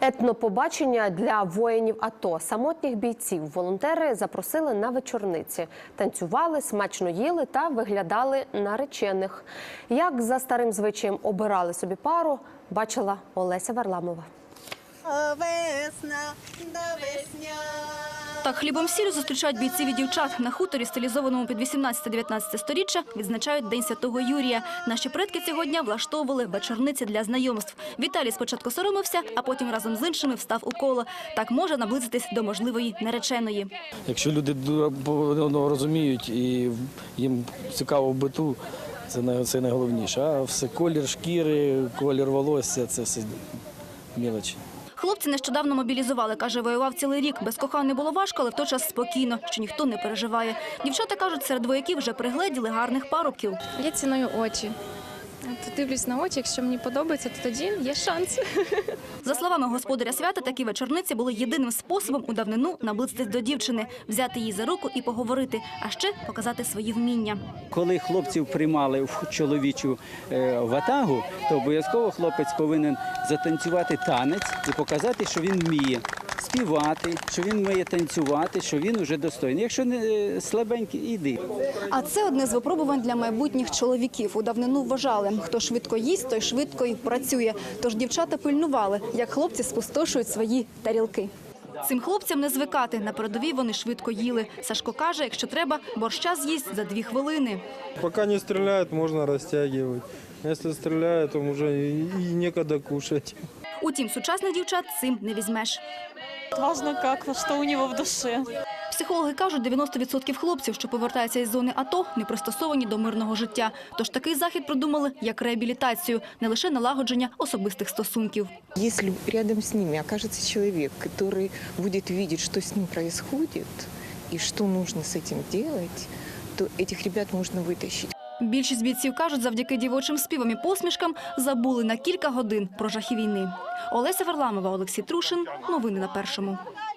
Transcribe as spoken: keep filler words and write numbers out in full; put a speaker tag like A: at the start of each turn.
A: Етнопобачення для воїнів АТО. Самотніх бійців волонтери запросили на вечорниці. Танцювали, смачно їли та виглядали наречених. Як за старим звичаєм обирали собі пару, бачила Олеся Варламова.
B: Весна, весня.
C: Так хлібом сіллю зустрічають бійців і дівчат. На хуторі, стилізованому під вісімнадцяте-дев'ятнадцяте сторіччя, відзначають День Святого Юрія. Наші предки цього дня влаштовували вечорниці для знайомств. Віталій спочатку соромився, а потім разом з іншими встав у коло. Так може наблизитись до можливої нареченої.
D: Якщо люди розуміють і їм цікаво в биту, це найголовніше. А все колір шкіри, колір волосся – це все мілочі.
C: Хлопці нещодавно мобілізували, каже, воював цілий рік. Без коханої було важко, але в той час спокійно, що ніхто не переживає. Дівчата кажуть, серед вояків вже пригледіли гарних парубків.
E: Я ціную очі. От дивлюсь на очі, якщо мені подобається, то тоді є шанс.
C: За словами господаря свята, такі вечорниці були єдиним способом у давнину наблизитись до дівчини, взяти її за руку і поговорити, а ще показати свої вміння.
F: Коли хлопців приймали в чоловічу ватагу, то обов'язково хлопець повинен затанцювати танець і показати, що він вміє співати, що він вміє танцювати, що він уже достойний. Якщо не слабенький, іди.
G: А це одне з випробувань для майбутніх чоловіків. У давнину вважали, хто швидко їсть, той швидко і працює. Тож дівчата пильнували, як хлопці спустошують свої тарілки.
C: Цим хлопцям не звикати. На передовій вони швидко їли. Сашко каже, якщо треба, борща з'їсть за дві хвилини.
H: Поки не стріляють, можна розтягувати. Якщо стріляють, то вже і ніколи кушати.
C: Утім, сучасних дівчат цим не візьмеш.
I: Важно, як, що у нього в душі.
C: Психологи кажуть, дев'яносто відсотків хлопців, що повертаються із зони АТО, не пристосовані до мирного життя. Тож такий захід придумали як реабілітацію, не лише налагодження особистих стосунків.
J: Якщо рядом з ними окажеться чоловік, який буде бачити, що з ним відбувається і що потрібно з цим робити, то цих ребят можна витягти.
C: Більшість бійців кажуть, завдяки дівочим співам і посмішкам забули на кілька годин про жахи війни. Олеся Варламова, Олексій Трушин. Новини на Першому.